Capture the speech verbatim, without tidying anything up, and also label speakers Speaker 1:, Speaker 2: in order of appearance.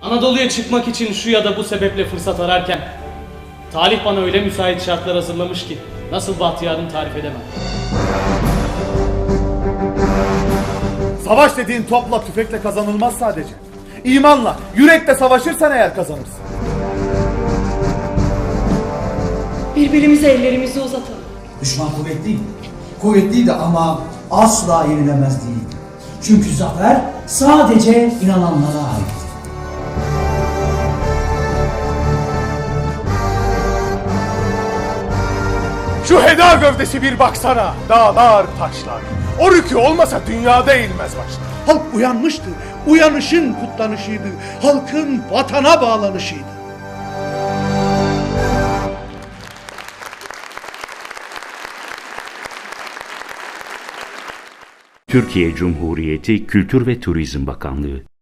Speaker 1: Anadolu'ya çıkmak için şu ya da bu sebeple fırsat ararken talih bana öyle müsait şartlar hazırlamış ki nasıl bahtiyarını tarif edemem.
Speaker 2: Savaş dediğin topla tüfekle kazanılmaz sadece. İmanla, yürekle savaşırsan eğer kazanırsın.
Speaker 3: Birbirimize ellerimizi uzatalım.
Speaker 4: Düşman kuvvetliydi. Kuvvetliydi ama asla yenilemez değildi. Çünkü zafer sadece inananlara ait.
Speaker 2: Şu heda gövdesi bir baksana. Dağlar, taşlar. O rükü olmasa dünyada eğilmez başlar.
Speaker 5: Halk uyanmıştı. Uyanışın kutlanışıydı. Halkın vatana bağlanışıydı.
Speaker 6: Türkiye Cumhuriyeti Kültür ve Turizm Bakanlığı